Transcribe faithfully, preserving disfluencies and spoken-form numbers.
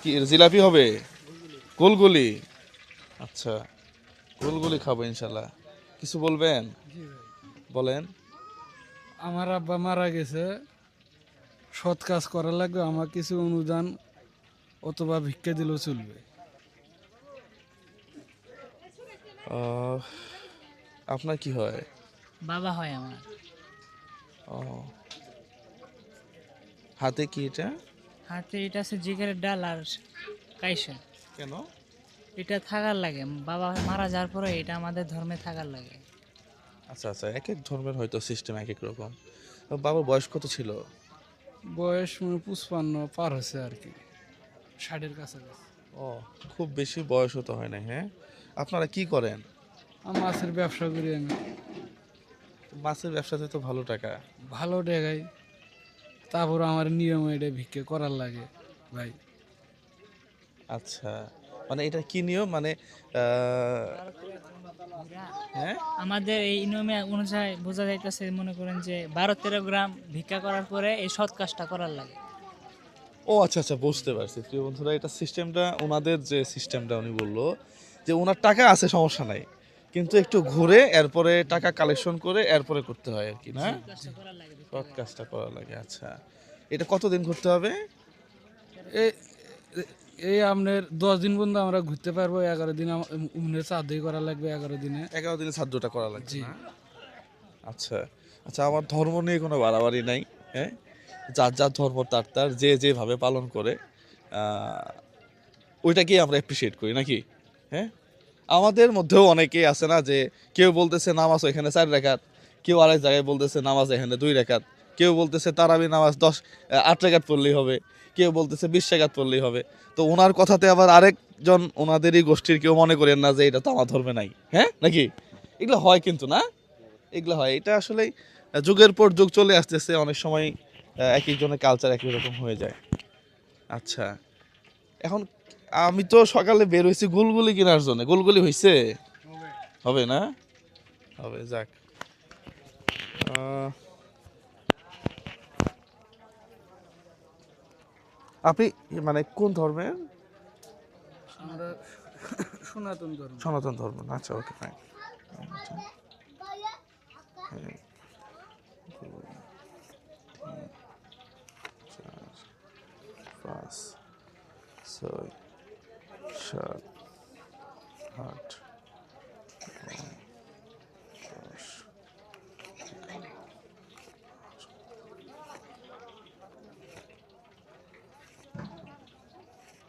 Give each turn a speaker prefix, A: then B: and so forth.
A: কি জিলাপি হবে? গোলগুলি? আচ্ছা, গোলগুলি খাবো ইনশাল্লাহ। কিছু বলবেন?
B: জি ভাই,
A: বলেন।
B: আমার আব্বা মারা গেছে, সৎ কাজ করা লাগবে, আমার কিছু অনুদান অথবা ভিক্ষা দিলেও চলবে।
A: আহ, আপনার কি হয়?
C: বাবা হয় আমার।
A: ও, হাতে কি এটা?
C: হাতে এটা আছে জিগারের ডাল আর কাইসা।
A: কেন?
C: এটা থাকার লাগে, বাবা মারা যাওয়ার পরে এটা আমাদের ধর্মে থাকার লাগে।
A: আচ্ছা আচ্ছা, এক এক ধর্মের হয়তো সিস্টেম এক এক রকম। তো বাবার বয়স কত ছিল?
B: বয়স মানে পুষ্পান্ন পার হয়েছে আর কি, ষাটের কাছাকাছি।
A: ও, খুব বেশি বয়সও তো হয় না। হ্যাঁ, আপনারা কি করেন?
B: আমি মাছের ব্যবসা করি আমি,
A: মাছের ব্যবসাতে তো ভালো টাকা।
B: ভালো ডেগাই, তারপর আমার নিয়ম এটা ভিক্ষা করার লাগে ভাই।
A: আচ্ছা, মানে এটা কি নিয়ম? মানে আহ, হ্যাঁ,
C: আমাদের এই নিয়মে অনুযায়ী বোঝা যাইতেছে, মনে করেন যে বারো তেরো গ্রাম ভিক্ষা করার পরে এই সৎ কাজটা করার লাগে।
A: ও আচ্ছা আচ্ছা, বুঝতে পারছি প্রিয় বন্ধুরা। এটা সিস্টেমটা ওনাদের যে সিস্টেমটা উনি বললো যে ওনার টাকা আছে সমস্যা নাই, কিন্তু একটু ঘুরে এরপরে টাকা কালেকশন করে এরপরে করতে হয় আর কি, না?
C: কাজটা করার লাগে ভিক্ষা
A: সৎ
C: করে।
A: কাজটা করা লাগে। আচ্ছা, এটা কতদিন করতে হবে?
B: এই এই আপনার দশ দিন পর্যন্ত আমরা ঘুরতে পারবো, এগারো দিন উমনের চাঁদই করা লাগবে, এগারো দিনে।
A: এগারো দিনে সাহায্যটা করা লাগবে,
B: জি।
A: না? আচ্ছা আচ্ছা, আমার ধর্ম নিয়ে কোনো বাড়াবাড়ি নাই। হ্যাঁ, যার যার ধর্ম তার তার যে যেভাবে পালন করে আহ, ওইটাকেই আমরা অ্যাপ্রিসিয়েট করি নাকি? হ্যাঁ, আমাদের মধ্যেও অনেকেই আছে না যে কেউ বলতেছে নামাজ এখানে চার রাকাত, কেউ আরেক জায়গায় বলতেছে নামাজ এখানে দুই রাকাত, কেউ বলতেছে তারাবি নামাজ দশ আহ, আট রাকাত পড়লেই হবে, কেউ বলতেছে বিশ রাকাত পড়লেই হবে। তো ওনার কথাতে আবার আরেকজন ওনাদেরই গোষ্ঠীর কেউ মনে করেন না যে এটা তো আমার ধর্মে নাই। হ্যাঁ নাকি? এগুলো হয় কিন্তু, না? এগুলো হয়, এটা আসলে যুগের পর যুগ চলে আসতেছে, অনেক সময় আহ, এক একজনের কালচার একই রকম হয়ে যায়। আচ্ছা, এখন আমি তো সকালে বের হয়েছি গুলগুলি কেনার জন্য। গুলগুলি হয়েছে? হবে না? হবে, যাক। আহ, আপনি মানে কোন ধর্মের?
B: আমরা সনাতন ধর্ম।
A: সনাতন ধর্ম। আচ্ছা, ওকে, ফাইন। পাঁচ, ছয়, সাত, আট,